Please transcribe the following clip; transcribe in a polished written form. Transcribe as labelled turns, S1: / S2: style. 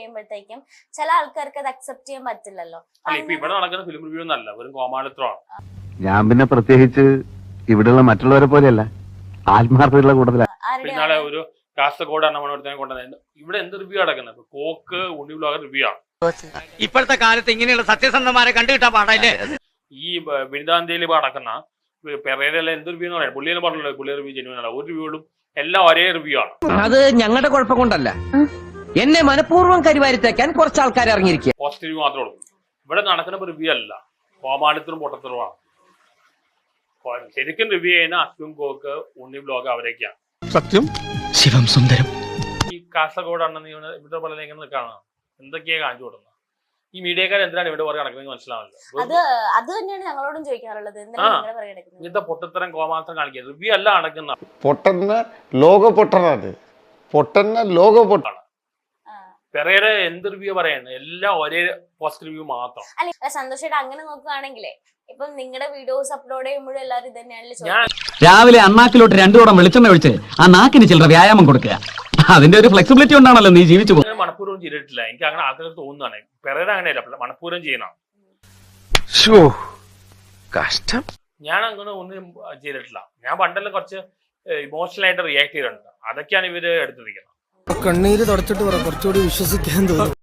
S1: പറയുമ്പോഴത്തേക്കും ചില ആൾക്കാർക്ക് അത് അക്സെപ്റ്റ് ചെയ്യാൻ പറ്റില്ലല്ലോ.
S2: ഇവിടെ നടക്കുന്ന ഫിലിം റിവ്യൂ ഒന്നല്ല, ഒരു കോമാളിത്രമാണ്.
S3: ഞാൻ പിന്നെ പ്രത്യേകിച്ച് ഇവിടെയുള്ള മറ്റുള്ളവരെ പോലെയല്ല, ആത്മാർത്ഥതയുള്ള കൂടുതലാണ്.
S2: ഒരു കാസർഗോഡ് എണ്ണമണത്തിനെ കൊണ്ടുവന്നത് ഇവിടെ എന്ത് റിവ്യൂ നടക്കുന്നത്? കോക്ക് ഉണ്ണി വ്ലോഗർ റിവ്യൂ ആണ്.
S4: ഇപ്പോഴത്തെ കാലത്ത് ഇങ്ങനെയുള്ള സത്യസന്ധമാരെ കണ്ടുകിട്ടാൻ പാടില്ലേ?
S2: ഈ ബിരുദാന്തിയിൽ നടക്കുന്ന പെരേരല്ല എന്ത് റിവ്യൂ എന്ന് പറയാം. പുള്ളിയെന്ന് പറഞ്ഞല്ലോ, പുള്ളി റിവ്യൂ ചെയ്യുന്നതല്ല. ഒരു റിവ്യൂകളും എല്ലാം ഒരേ റിവ്യൂ ആണ്.
S5: അത് ഞങ്ങളുടെ കുഴപ്പം കൊണ്ടല്ല, എന്നെ മനഃപൂർവ്വം കരിവാരിത്തേക്കാൻ കുറച്ച് ആൾക്കാർ ഇറങ്ങിയിരിക്കുക.
S2: പോസിറ്റീവ് മാത്രമേ ഉള്ളൂ. ഇവിടെ നടക്കുന്ന റിവ്യൂ അല്ല, കോമാളിത്തരും പൊട്ടത്തരവുമാണ്. ശരിക്കും റിവ്യൂ ചെയ്യുന്ന അശ്വിൻ കോക്ക് ഉണ്ണി വ്ലോഗ് അവരൊക്കെയാണ്.
S6: സത്യം ശിവം സുന്ദരം.
S2: ഈ കാസർഗോഡ് അണ്ണ ഇവിടെ പോലെ ഇങ്ങനെ കാണാം, എന്തൊക്കെയാ കാണിച്ചു കൊടുക്കുന്നത്. ഈ മീഡിയക്കാർ എന്തിനാണ് ഇവിടെ പുറകെ നടക്കുന്നത് മനസ്സിലാവില്ല.
S1: അത് തന്നെയാണ് ഞങ്ങളോടും ചോദിക്കാറുള്ളത്.
S2: ഇങ്ങനത്തെ പൊട്ടത്തരം കോമാത്രം കാണിക്കുക റിവ്യൂ അല്ല നടക്കുന്ന.
S6: പൊട്ടന്ന ലോക പൊട്ടനാണ്, പൊട്ടന്ന ലോക പൊട്ടാണ്.
S2: പെരേര എന്ത് റിവ്യൂ പറയുന്നത് എല്ലാം ഒരേ പോസിറ്റീവ് റിവ്യൂ മാത്രം.
S1: അല്ല സന്തോഷമായിട്ട് അങ്ങനെ നോക്കുകയാണെങ്കിലേ ഇപ്പം നിങ്ങളുടെ വീഡിയോസ് അപ്ലോഡ് ചെയ്യുമ്പോഴും എല്ലാവരും ഇത് തന്നെയാണല്ലോ.
S7: രാവിലെ അണ്ണാക്കിലോട്ട് 2 കുടം വെളിച്ചെണ്ണ ഒഴിച്ച് ആ നാക്കിന് ചില്ലറ വ്യായാമം കൊടുക്കുക. അതിന്റെ ഒരു ഫ്ലെക്സിബിലിറ്റി കൊണ്ടാണല്ലോ നീ ജീവിച്ചു പോകുന്നത്.
S2: മനഃപൂർവ്വം ചെയ്തിട്ടില്ല, എനിക്ക് അങ്ങനെ ആൾക്കാർ തോന്നുന്നതാണ്. പെരേര അങ്ങനെയല്ല, മനഃപൂർവ്വം ചെയ്യണം.
S6: കഷ്ടം.
S2: ഞാൻ അങ്ങനെ ഒന്നും ചെയ്തിട്ടില്ല. ഞാൻ പണ്ടെല്ലാം കുറച്ച് ഇമോഷണൽ ആയിട്ട് റിയാക്ട് ചെയ്തിട്ടുണ്ട്. അതൊക്കെയാണ് ഇവര് എടുത്തിരിക്കുന്നത്.
S8: കണ്ണീര് തുടച്ചിട്ട് കുറച്ചുകൂടി വിശ്വസിക്കാൻ തോന്നും.